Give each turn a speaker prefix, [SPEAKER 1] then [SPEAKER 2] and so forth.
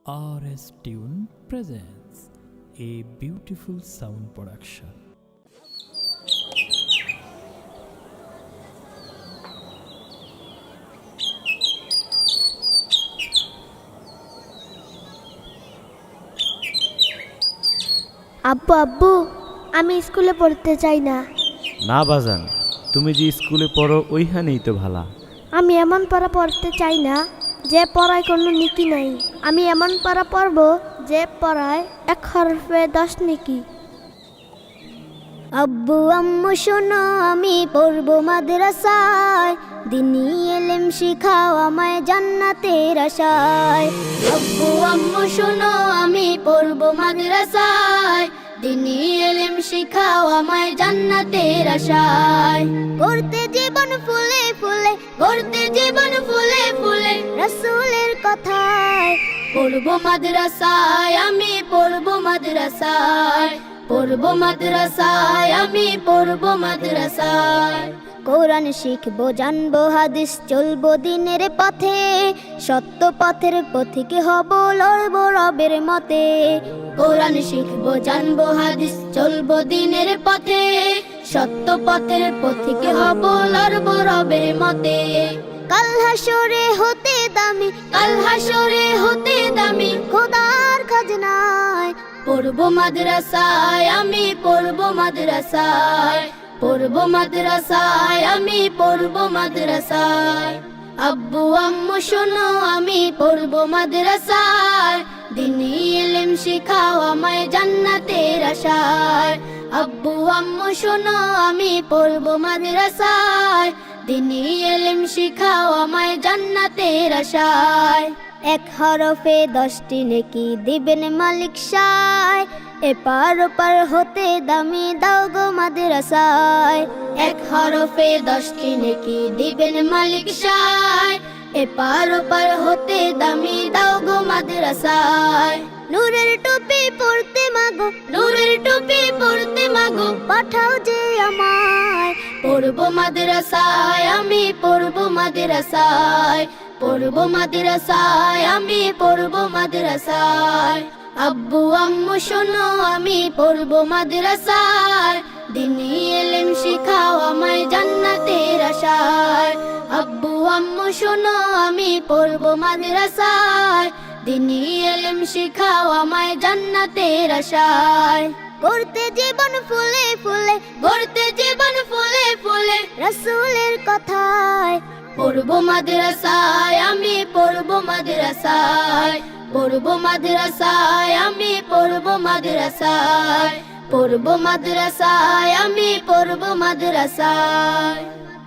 [SPEAKER 1] RS Tune presents a beautiful sound production.
[SPEAKER 2] আব্বু আব্বু আমি স্কুলে পড়তে চাই না।
[SPEAKER 3] না বাজান, তুমি যে স্কুলে পড়ো ওইখানেই তো ভালা।
[SPEAKER 2] আমি এমন পড়া পড়তে চাই না যে পড়ায় কোনো নীতি নাই। আমি এমন পড়া পড়ব যে পড়ায় 1 হরফে 10 নেকি। আব্বু আম্মু শোনো আমি পড়ব মাদ্রাসায়, দিনী ইলম শিখাও আমায় জান্নাতের আশায়। আব্বু আম্মু শোনো আমি পড়ব মাদ্রাসায়, দিনী ইলম শিখাও আমায় জান্নাতের আশায়। করতে জীবন ফুলে ফুলে, করতে জীবন ফুলে ফুলে রাসূলের কথায়। পড়ব মাদ্রাসায় আমি পড়ব মাদ্রাসায়, পড়ব মাদ্রাসায় আমি পড়ব মাদ্রাসায়। কোরআন শিখবো জানবো হাদিস চলবো দিনের পথে, সত্য পথের পথিক হব লড়বো রবের মতে। কোরআন শিখবো জানবো হাদিস চলবো দিনের পথে, সত্য পথের পথিক হব লড়বো রবের মতে। কাল হাসরে হতে দামি, কাল হাসরে হতে দামি খোদার খাজনায়। পড়ব মাদ্রাসায় আমি পড়ব মাদ্রাসায়, পড়ব মাদ্রাসায় আমি পড়ব মাদ্রাসায়। আব্বু আম্মু শোনো আমি পড়ব মাদ্রাসায়, দিনী ইলম শিখাও আমায় জান্নাতের আশায়। আব্বু আম্মু শোনো আমি পড়ব মাদ্রাসায়, দিনী ইলম শিখাও আমায় জান্নাতের আশায়। 1 হরফে 10টি নেকি দিবেন মালিক সায়, এপার ওপার হতে দামি দাও গো মাদ্রাসায়। 1 হরফে 10টি নেকি দিবেন মালিক সায়, এপার ওপার হতে দামি দাও গো মাদ্রাসায়। নূরের টুপি পরতে মাগো, নূরের টুপি পরতে মাগো পাঠাও যে আমায়। পড়ব মাদ্রাসায় আমি পড়ব মাদ্রাসায়, পড়ব মাদ্রাসায় আমি পড়ব মাদ্রাসায়। আব্বু আম্মু শোনো আমি পড়ব মাদ্রাসায়, দিনী ইলম শিখাও আমায় জান্নাতের আশায়। আব্বু আম্মু শোনো আমি পড়ব মাদ্রাসায়, দিনী ইলম শিখাও আমায় জান্নাতের আশায়। করতে জীবন ফুলে ফুলে, করতে জীবন ফুলে ফুলে রাসূলের কথায়। পড়ব মাদ্রাসায় আমি পড়ব মাদ্রাসায়, পড়ব মাদ্রাসায় আমি পড়ব মাদ্রাসায়, পড়ব মাদ্রাসায় আমি পড়ব মাদ্রাসায়।